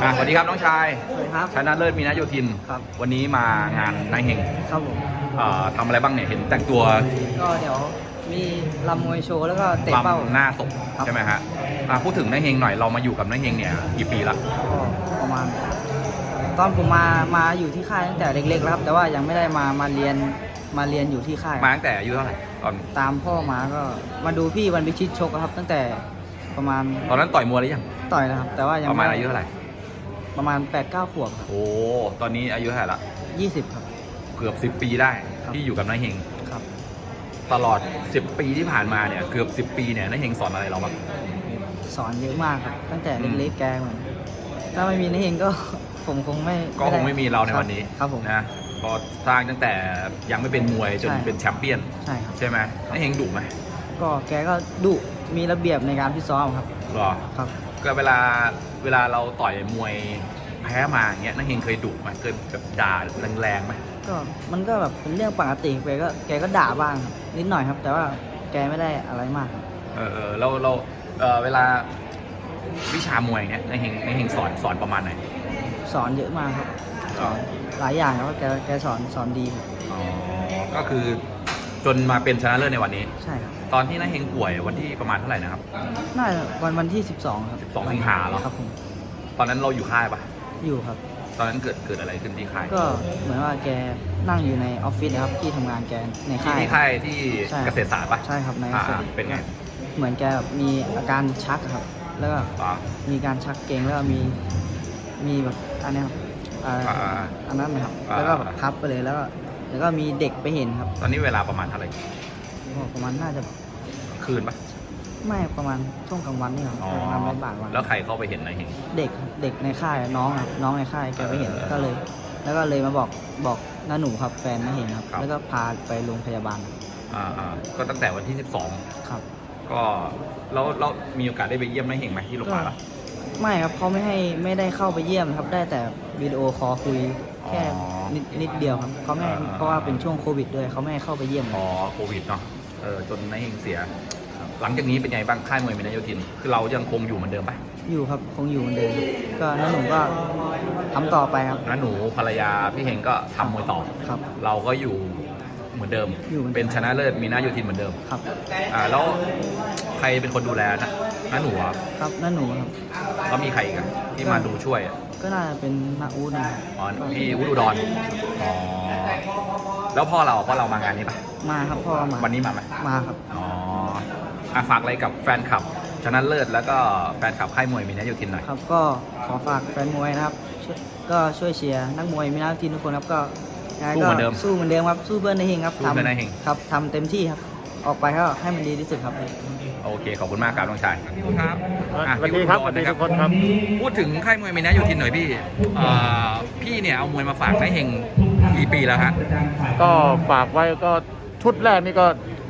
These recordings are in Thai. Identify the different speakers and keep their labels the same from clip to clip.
Speaker 1: สวัสดีครับน้องชาย
Speaker 2: สวัสดีครับ
Speaker 1: ชนะเลิศมีนาโยธิน
Speaker 2: ครับ
Speaker 1: วันนี้มางานนายเฮง
Speaker 2: ครับผม
Speaker 1: ทำอะไรบ้างเนี่ยเห็นแต่งตัว
Speaker 2: ก็เดี๋ยวมีรำมวยโชว์แล้วก็เตะเป้า
Speaker 1: ลำหน้าศพ
Speaker 2: ครับ
Speaker 1: ใช่ไหมฮะพูดถึงนายเฮงหน่อยเรามาอยู่กับนายเฮงเนี่ยกี่ปีละ
Speaker 2: ก็ประมาณ ตอนผมมาอยู่ที่ค่ายตั้งแต่เล็กๆแล้วครับ แต่ว่ายังไม่ได้มาเรียนอยู่ที่ค่าย
Speaker 1: มาตั้งแต่อายุเท่าไหร่ตอน
Speaker 2: ตามพ่อมาก็มาดูพี่วันพิชิตชกครับ ตั้งแต่ประมาณ
Speaker 1: ตอนนั้นต่อยมวยหรือยัง
Speaker 2: ต่อยนะครับ แต่ว่ายัง
Speaker 1: ประมาณอายุเท่าไหร่
Speaker 2: ประมาณ 8-9 ขวบครับ
Speaker 1: โอ้ตอนนี้อายุเท่าไหร่ละ
Speaker 2: 20 ครับ
Speaker 1: เกือบ10 ปีได้
Speaker 2: ครับ
Speaker 1: ที่อยู่กับนายเฮง
Speaker 2: ครับ
Speaker 1: ตลอด10 ปีที่ผ่านมาเนี่ยเกือบ10 ปีเนี่ยนายเฮงสอนอะไรเราบ้าง
Speaker 2: สอนเยอะมากครับ ตั้งแต่เล็กๆแกเหมือนถ้าไม่มีนายเองก็ ผมคงไม่
Speaker 1: ก็คงไม่มีเราในวันนี้
Speaker 2: ครับผม
Speaker 1: นะก็สร้างตั้งแต่ยังไม่เป็นมวยจน
Speaker 2: ใช่
Speaker 1: เป็นแชมเปี้ยน
Speaker 2: ใช่ครับ
Speaker 1: ใช่ไหมนายเฮงดุไหม
Speaker 2: ก็แกก็ดุมีระเบียบในการพิตซ้อมครับ
Speaker 1: หรอ
Speaker 2: ครับ
Speaker 1: ก็เวลาเราต่อยมวยแพ้มาอย่างเงี้ยนักเฮงเคยดุไหมเคยแบบด่าแรงๆไหม
Speaker 2: ก็มันก็แบบเป็นเรื่องปกติแกก็ด่าบ้างครับนิดหน่อยครับ แต่ว่าแกไม่ได้อะไรมากครับ
Speaker 1: เราเวลาวิชามวยเงี้ยนักเฮงสอนประมาณไหน
Speaker 2: สอนเยอะมากครับสอนหลายอย่างครับว่าแกสอนดีครับ
Speaker 1: อ๋อก็คือจนมาเป็นชนะเลิศในวันนี้
Speaker 2: ใช่ครับ
Speaker 1: ตอนที่นักเฮงป่วยวันที่ประมาณเท่าไหร่นะครับ
Speaker 2: น่าจะวันที่ 12 ครับ
Speaker 1: 12 สิงหาเหรอ
Speaker 2: ครับผม
Speaker 1: ตอนนั้นเราอยู่ค่ายปะ
Speaker 2: อยู่ครับ
Speaker 1: ตอนนั้นเกิดอะไรขึ้นที่ค่าย
Speaker 2: ก็เหมือนว่าแกนั่งอยู่ในออฟฟิศนะครับที่ทำงานแกในค่าย
Speaker 1: ที่ค่ายที่
Speaker 2: ใช่
Speaker 1: เกษตรศาสตร์ปะ
Speaker 2: ใช่ครับใน
Speaker 1: อ่า
Speaker 2: เกษตร
Speaker 1: เป็นไง
Speaker 2: เหมือนแกแบบมีอาการชักครับ แล้วก็
Speaker 1: อ๋อ
Speaker 2: มีการชักเกร็งแล้วก็มีแบบอันเนี้ยครับอันนั้นนะครับ แล้วก็แบบทับไปเลยแล้วก็มีเด็กไปเห็นครับ
Speaker 1: ตอนนี้เวลาประมาณเท่าไหร่
Speaker 2: ก็ประมาณน่าจะ
Speaker 1: คืนปะ
Speaker 2: ไม่ประมาณช่วงกลางวันนี่ครับ
Speaker 1: อ๋อ
Speaker 2: ประมาณบ่ายวัน
Speaker 1: แล้วใครเข้าไปเห็นนายเฮง
Speaker 2: เด็กครับเด็กในค่ายน้องครับน้องในค่ายแกไปเห็นก็เลย แล้วก็เลยมาบอกน้าหนูครับแฟนมาเห็นครับ แล้วก็พาไปโรงพยาบาล
Speaker 1: ก็ตั้งแต่วันที่
Speaker 2: ครับ
Speaker 1: 12 ก็แล้วมีโอกาสได้ไปเยี่ยมนายเฮงไหมที่โรงพยาบาลปะ
Speaker 2: ไม่ครับเขาไม่ได้เข้าไปเยี่ยมครับได้แต่วิดีโอคอลคุยแค่
Speaker 1: อ๋อ
Speaker 2: นิดเดียวครับเขาไม่ให้เพราะว่าเป็นช่วงโควิดด้วยเขาไม่ให้เข้าไปเยี่ยม
Speaker 1: พอโควิดเนาะจนนายเฮงเสีย หลังจากนี้เป็นไงบ้างค่ายมวยมีนายโยธิน คือเรายังคงอยู่เหมือนเดิมปะ
Speaker 2: อยู่ครับคงอยู่เหมือนเดิมก็น้าหนูก็ทำต่อไปครับ
Speaker 1: น้าหนูภรรยาพี่เฮงก็ทำมวยต่อ
Speaker 2: ครับ
Speaker 1: เราก็อยู่เหมือนเดิม
Speaker 2: อยู่เหมือนเดิม
Speaker 1: เป็นชนะเลิศมีนายโยธินเหมือนเดิม
Speaker 2: ครับ
Speaker 1: แล้วใครเป็นคนดูแลนะน้าหนูอะ
Speaker 2: ครับน้าหนูครับ
Speaker 1: แล้วมีใครอีกอะที่มาดูช่วยอะ
Speaker 2: ก็น่าจะเป็นนาอูดนะครับ
Speaker 1: อ๋อพี่อุดรอ๋อแล้วพ่อเรามางานนี้ปะ
Speaker 2: มาครับพ่อมา
Speaker 1: วันนี้มาไหม
Speaker 2: มาครับ
Speaker 1: อ๋อฝากอะไรกับแฟนคลับชนะเลิศแล้วก็แฟนคลับค่ายมวยมีนายโยธินหน่อย
Speaker 2: ครับก็ขอฝากแฟนมวยนะครับก็ช่วยเชียร์นักมวยมีนักทีมทุกคนครับก็ยังไง
Speaker 1: สู้เหมือนเดิม
Speaker 2: สู้เหมือนเดิมครับสู้เพื่อนในเฮงครับ
Speaker 1: สู้เพื่อนในเฮง
Speaker 2: ครับทำเต็มที่ครับออกไปก็ให้มันดีที่สุดครับ
Speaker 1: โอเคขอบคุณมากครับน้องชายครับ
Speaker 3: สวัสดีครับสวัสดีทุกคนครับ
Speaker 1: พูดถึงค่ายมวยมีนายโยธินหน่อยพี่พี่เนี่ยเอามวยมาฝากนายเฮงกี่ปีแล้วฮะ
Speaker 3: ก็ฝากไว้ก็ชุดแรกนี่ก็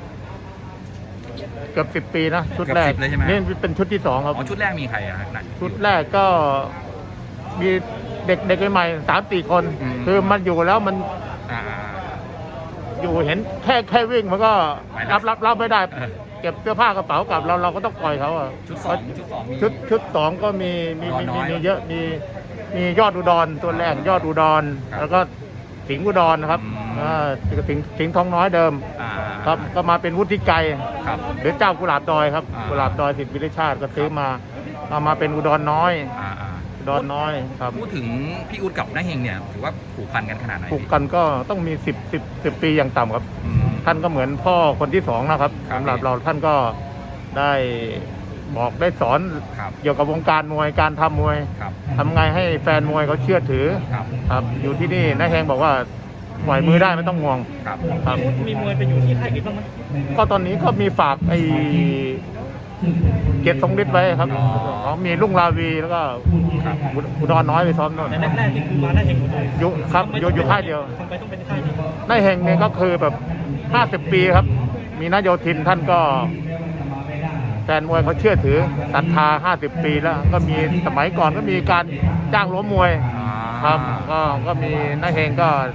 Speaker 3: เกือบ10 ปีนะชุดแรก
Speaker 1: เกือบ10เลยใช่ไหม
Speaker 3: นี่เป็นชุดที่ 2 ครับ
Speaker 1: อ๋อชุดแรกมีใครอะไหน
Speaker 3: ชุดแรกก็มีเด็กใหม่ๆ3-4 คน
Speaker 1: อืม
Speaker 3: คือมันอยู่แล้วมัน
Speaker 1: อ่า
Speaker 3: อยู่เห็นแค่วิ่งมันก็
Speaker 1: ไม่ได้
Speaker 3: รับไม่ได้
Speaker 1: เออ
Speaker 3: เก็บเสื้อผ้ากระเป๋ากลับเราก็ต้องปล่อยเขาอะ
Speaker 1: ชุดสองมี
Speaker 3: ชุดสองก็มี
Speaker 1: อุดรน้อย
Speaker 3: เยอะมียอดอุดรตัวแรกยอดอุดร
Speaker 1: ครับ
Speaker 3: แล้วก็สิงห์อุดรนะครับ
Speaker 1: อืม
Speaker 3: สิงห์ทองน้อยเดิม
Speaker 1: อ่า
Speaker 3: ครับก็มาเป็นวุฒิไกร
Speaker 1: ครับ
Speaker 3: หรือเจ้ากุหลาบดอยครับ
Speaker 1: อ่า
Speaker 3: กุหลาบดอยสิทธิวิริชาติก็ซื้อมามาเป็นอุดรน้อย
Speaker 1: อ่า
Speaker 3: อุดรน้อยครับ
Speaker 1: พูดถึงพี่อุดกับนายเฮงเนี่ยถือว่าผูกพันกันขนาดไหน
Speaker 3: ปลูก
Speaker 1: พี่
Speaker 3: กันก็ต้องมี10 ปีอย่างต่ำครับ
Speaker 1: อืม
Speaker 3: ท่านก็เหมือนพ่อคนที่ 2นะครับ
Speaker 1: ครับ
Speaker 3: สำหรับเราท่านก็ได้บอกได้สอน
Speaker 1: ครับ
Speaker 3: เกี่ยวกับวงการมวยการทำมวย
Speaker 1: ครับ
Speaker 3: ทำไงให้แฟนมวยเขาเชื่อถือ
Speaker 1: ครับ
Speaker 3: ครับอยู่ที่นี่นายแฮงบอกว่าปล่อยมือได้ไม่ต้องห่วง
Speaker 1: ครับ
Speaker 3: ครับ
Speaker 4: มีมวยไปอยู่ที่ค่ายอื่นบ้างไหม
Speaker 3: ก็ตอนนี้ก็มีฝากไอ้เกียรติทรงฤทธิ์ไว้ครับ
Speaker 1: อ๋อ
Speaker 3: เขามีลุงลาวีแล้วก็
Speaker 1: ครับ
Speaker 3: อุดรน้อยไปซ้อมโน่น
Speaker 4: แต่แรกๆนี่คือมาได้เห็นหมดเลย
Speaker 3: อยู่ครับอยู่ค่ายเดียว
Speaker 4: ทำไมต้องเป็นค่ายนี้
Speaker 3: นายแฮงเนี่ยก็คือแบบ50 ปีครับ มีนายโยธินท่านก็แฟนมวยเขาเชื่อถือศรัทธา50 ปีแล้วก็มีสมัยก่อนก็มีการจ้างล้มมวย
Speaker 1: อ่า
Speaker 3: ครับก็มีนายแฮงก็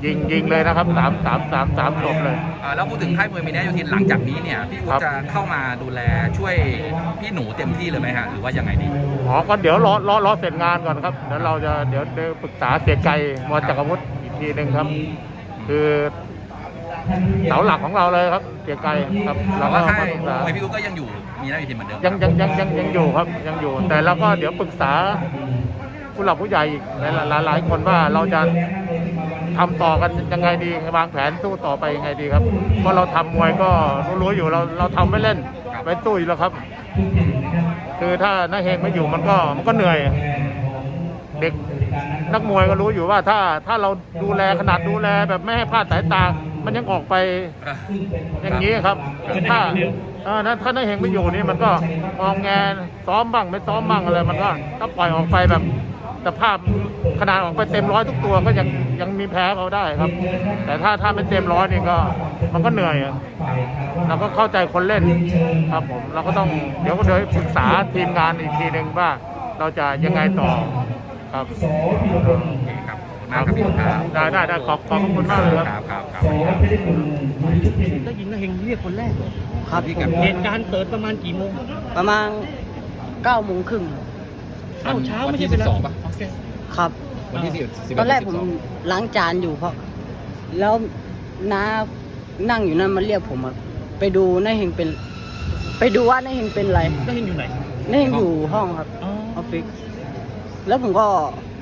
Speaker 3: ยิงเลยนะครับสามศพเลย
Speaker 1: แล้วพูดถึงค่ายมวยมีนาโยธินหลังจากนี้เนี่ยพี่อุ๊
Speaker 3: ครับ
Speaker 1: จะเข้ามาดูแลช่วยพี่หนูเต็มที่เลยไหมฮะหรือว่ายังไงดี
Speaker 3: อ๋อก็เดี๋ยวรอเสร็จงานก่อนครับเดี๋ยวเราจะเดี๋ยวปรึกษาเสียไกลมจักรวุฒิอีกทีหนึ่งครับ คือเสาหลักของเราเลยครับเสียไกลครับ
Speaker 1: แต่
Speaker 3: เราก็
Speaker 1: ว่าค่าย
Speaker 3: มาปรึกษาม
Speaker 1: วยพี่อุ๊ก็ยังอยู่มีนาโยธินเหมือนเดิม
Speaker 3: ยังอยู่ครับยังอยู่ แต่เราก็เดี๋ยวปรึกษาผู้หลักผู้ใหญ่อีกหลายคนว่าเราจะทำต่อกันยังไงดีวางแผนสู้ต่อไปยังไงดีครับเพราะเราทำมวยก็รู้อยู่เราทำไม่เล่นไม่สู้อยู่แล้วครับ คือถ้าน้าเฮงไม่อยู่มันก็เหนื่อย เด็กนักมวยก็รู้อยู่ว่าถ้าเราดูแลขนาดดูแลแบบไม่ให้พลาดสายตา มันยังออกไปอย่างนี้ครับถ้าถ้าน้าเฮงไม่อยู่นี่มันก็มองแงซ้อมบ้างไม่ซ้อมบ้างอะไรมันก็ถ้าปล่อยออกไปแบบสภาพขนาดออกไปเต็มร้อยทุกตัวก็ยังมีแพ้เขาได้ครับ แต่ถ้าไม่เต็มร้อยนี่ก็มันก็เหนื่อยเราก็เข้าใจคนเล่นครับผมเราก็ต้องเดี๋ยวปรึกษาทีมงานอีกทีหนึ่งว่าเราจะยังไงต่อครับ
Speaker 1: โอเคครับขอบคุณมากครับพี่อุ๊ครับ
Speaker 3: ได้ขอบคุณมากเลยครับ
Speaker 1: ครับ
Speaker 4: ได้ยินนะเฮงเรียกคนแรกเลย
Speaker 2: ครับผม
Speaker 4: เหตุการณ์เกิดประมาณกี่โมง
Speaker 2: ประมาณ9 โมงครึ่ง
Speaker 4: เอ้าเช้าไม่ใช่เวลา
Speaker 1: 12ป่ะ
Speaker 4: โอเค
Speaker 2: ครับ
Speaker 1: วันที่10
Speaker 2: ตอนแรกผมล้างจานอยู่เพราะแล้วน้านั่งอยู่นั่นมาเรียกผมอะไปดูน้าเฮงเป็น ไปดูว่าน้าเฮงเป็นอะไร
Speaker 4: ได้เฮงอยู่ไหน
Speaker 2: น้าเฮงอยู่ห้องครับ
Speaker 4: อ๋อ
Speaker 2: ออฟฟิศแล้วผมก็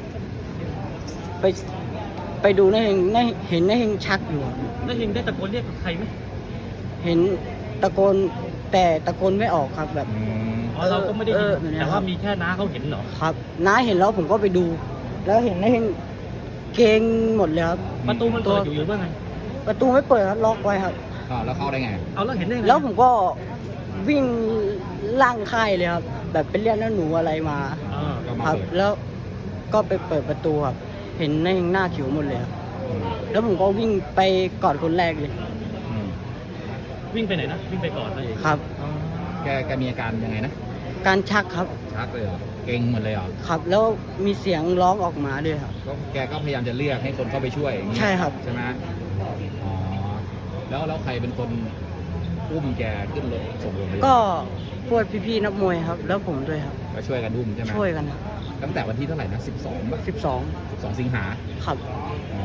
Speaker 2: ไปดูน้าเฮงเห็นน้าเฮงชักอยู่อะ
Speaker 4: ได้เฮงได้ตะโกนเรียกใครไหม
Speaker 2: เห็นตะโกนแต่ตะโกนไม่ออกครับแบบ
Speaker 4: อ๋อเราก็ไม่ได้ยิน
Speaker 2: แบบนี้
Speaker 4: แต่
Speaker 2: ครั
Speaker 4: ว่า
Speaker 2: บ
Speaker 4: มีแค่น้าเขาเห็นเหรอ
Speaker 2: ครับน้าเห็นแล้วผมก็ไปดู แล้วเห็นน้าเฮงเกรงหมดเลยครับ
Speaker 4: ประตูมันเปิดอยู่หรือว่าไง
Speaker 2: ประตูไม่เปิดครับล็อกไว้ครับ
Speaker 1: แล้วเข้าได้ไง
Speaker 4: เอาแล้วเห็นได้ไง
Speaker 2: แล้วผมก็วิ่งล่างค่ายเลยครับ แบบไปเรียกน้าหนูอะไรมา
Speaker 4: อ่า
Speaker 2: ครับ แล้วก็ไปเปิดประตูครับ เห็นน้าเฮงหน้าเขียวหมดเลยครับแล้วผมก็วิ่งไปกอดคนแรกเลย
Speaker 4: วิ่งไปไหนนะวิ่งไปก่อนนะเอง
Speaker 2: ครับ
Speaker 4: อ๋อ
Speaker 1: แกมีอาการยังไงนะ
Speaker 2: การชักครับ
Speaker 1: ชักเลยเหรอเก่งหมดเลยเหรอ
Speaker 2: ครับ แล้วมีเสียงร้องออกมาด้วยครับ
Speaker 1: แกก็พยายามจะเรียกให้คนเข้าไปช่วยอย่างนี้
Speaker 2: ใช่ครับ
Speaker 1: ใช่ไหมอ๋อแล้วใครเป็นคนอุ้มแกขึ้นรถส่งโรงพยาบาล
Speaker 2: ก็พวกพี่ๆนักมวยครับ แล้วผมด้วยครับ
Speaker 1: ก็ช่วยกันอุ้มใช่ไหม
Speaker 2: ช่วยกันครับ
Speaker 1: ตั้งแต่วันที่เท่าไหร่นะ12ป่ะ
Speaker 2: 12
Speaker 1: 12 สิงหา
Speaker 2: ครับ
Speaker 1: อ๋อ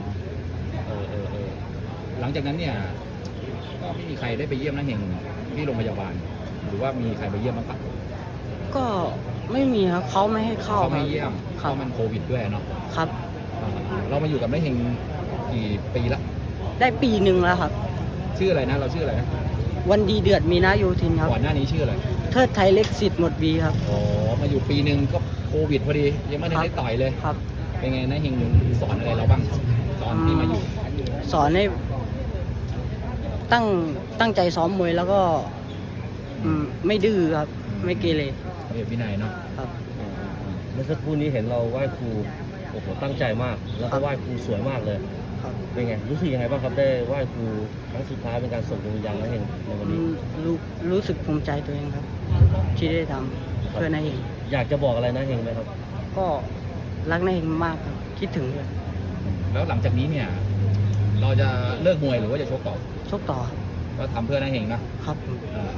Speaker 1: หลังจากนั้นเนี่ยก็ไม่มีใครได้ไปเยี่ยมน้าเฮงที่โรงพยาบาล หรือว่ามีใครไปเยี่ยมบ้างปะ
Speaker 2: ก็ไม่มีครับเขาไม่ให้เข้า
Speaker 1: เขาไม่
Speaker 2: ครับ
Speaker 1: เยี่ยมเพ
Speaker 2: ครับ
Speaker 1: ราะมันโควิดด้วยเนาะ
Speaker 2: ครับ
Speaker 1: เรามาอยู่กับน้าเฮงกี่ปีละ
Speaker 2: ได้ปีหนึ่งแล้วครับ
Speaker 1: ชื่ออะไรนะเราชื่ออะไรนะ
Speaker 2: วันดีเดือดมีนาโยธินครับ
Speaker 1: ก่อนหน้านี้ชื่ออะไร
Speaker 2: เทิดไทยเล็กสิทธิ์หมดวีครับ
Speaker 1: อ๋อมาอยู่ปีหนึ่งก็โควิดพอดียังไม่ได้
Speaker 2: ครับ
Speaker 1: ได้ต่อยเลย
Speaker 2: ครับ
Speaker 1: เป็นไงนะเฮงสอนอะไรเราบ้างตอนที่มาอยู่
Speaker 2: สอนให้ตั้งใจซ้อมมวยแล้วก็ไม่ดื้อครับ ไม่เกเร
Speaker 1: เรียบวินัยเนาะ
Speaker 2: ครับ
Speaker 5: เมื่อสักครู่นี้เห็นเราไหว้ครูโอ้โหตั้งใจมาก แล้ว
Speaker 2: ครั
Speaker 5: ก็
Speaker 2: บ
Speaker 5: ไหว้ครูสวยมากเลย
Speaker 2: ครับ
Speaker 5: เป็นไงรู้สึกยังไงบ้างครับได้ไหว้ครูครั้งสุดท้ายเป็นการส่งดวงวิญญาณแล้วเห็นในวันนี้
Speaker 2: รู้สึกภูมิใจตัวเองครับ ที่ได้ทำเพื่อนายเอง
Speaker 5: อยากจะบอกอะไรนะเฮงไหมครับ
Speaker 2: ก็รักนายเองมากครับ คิดถึงเลย
Speaker 1: แล้วหลังจากนี้เนี่ย เราจะเลิกมวยหรือว่าจะชกต่อ
Speaker 2: ชกต่อครับ
Speaker 1: ก็ทำเพื่อน้าเฮงนะครับ
Speaker 2: ผม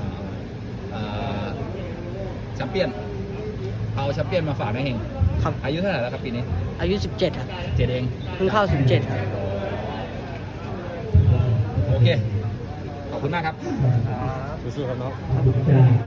Speaker 1: แชมเปี้ยนเอาแชมเปี้ยนมาฝากน้าเฮง
Speaker 2: ครับ
Speaker 1: อายุเท่าไหร่แล้วครับปีนี้
Speaker 2: อายุ 17 ครับ
Speaker 1: 7เอง
Speaker 2: เพิ่งเข้า 17 ครับ
Speaker 1: โอเค ขอบคุณมากครับ
Speaker 5: สู้ๆครับน้อง